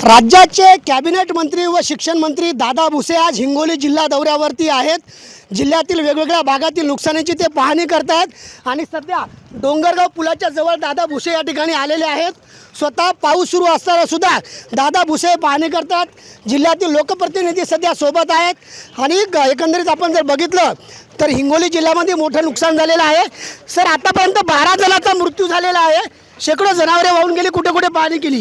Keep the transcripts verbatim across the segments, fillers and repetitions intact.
राज्याचे कॅबिनेट मंत्री व शिक्षण मंत्री दादा भुसे आज हिंगोली जिल्हा दौऱ्यावरती आहेत। जिल्ह्यातील वेगवेगळ्या भागातील नुकसानीची ते पाहणी करतात आणि सध्या डोंगरगाव पुलाच्या जवळ दादा भुसे या ठिकाणी आलेले आहेत। स्वतः पाऊस सुरू असताना सुद्धा दादा भुसे पाहणी करतात। जिल्ह्यातील लोकप्रतिनिधी सध्या सोबत आहेत आणि एकंदरीत आपण जर बघितलं तर हिंगोली जिल्ह्यामध्ये मोठं नुकसान झालेलं आहे। सर, आतापर्यंत बारा जणांचा मृत्यू झालेला आहे, शेकडो जनावरे वाहून गेली, कुठे कुठे पाहणी केली?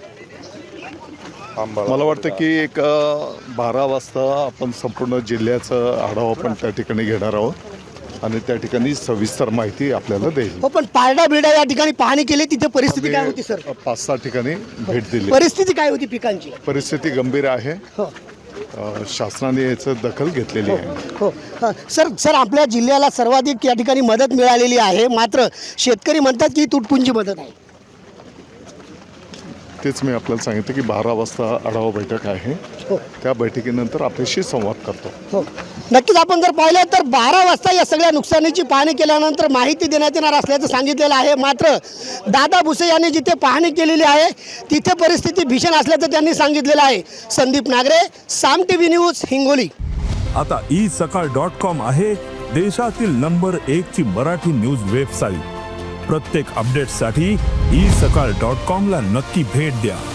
मला वाटतं की एक बारा वाजता आपण संपूर्ण जिल्ह्याचं आढावा आपण त्या ठिकाणी घेणार आहोत आणि त्या ठिकाणी सविस्तर माहिती आपल्याला देईल। हो, पण पारडा बिरडा या ठिकाणी पाहणी केली, तिथे परिस्थिती काय होती सर? पाच सहा ठिकाणी भेट दिली। परिस्थिती काय होती पिकांची? परिस्थिती गंभीर आहे। हो शासनाने याचं दखल घेतलेली आहे। हो हां सर सर आपल्या जिल्ह्याला सर्वाधिक या ठिकाणी मदत मिळालेली आहे, मात्र शेतकरी म्हणतात की तुटपुंजी मदत आहे। तेच मी आपल्याला सांगितलं की बारा वाजता आढावा बैठक आहे, हो त्या बैठकीनंतर आपल्याशी संवाद करतो। हो नक्कीच। आपण जर पाहिलं तर बारा वाजता या सगळ्या नुकसानीची पाहणी केल्यानंतर माहिती देण्यात येणार असल्याचं सांगितलेलं आहे, मात्र दादा भुसे यांनी जिथे पाहणी केलेली आहे तिथे परिस्थिती भीषण असल्याचं त्यांनी सांगितलेलं आहे। Sandeep Nagare, Saam TV news, Hingoli. आता ई सकाळ डॉट कॉम आहे देशातील नंबर एक ची मराठी न्यूज वेबसाईट। प्रत्येक अपडेटसाठी ई सकाळ डॉट कॉम ला नक्की भेट द्या।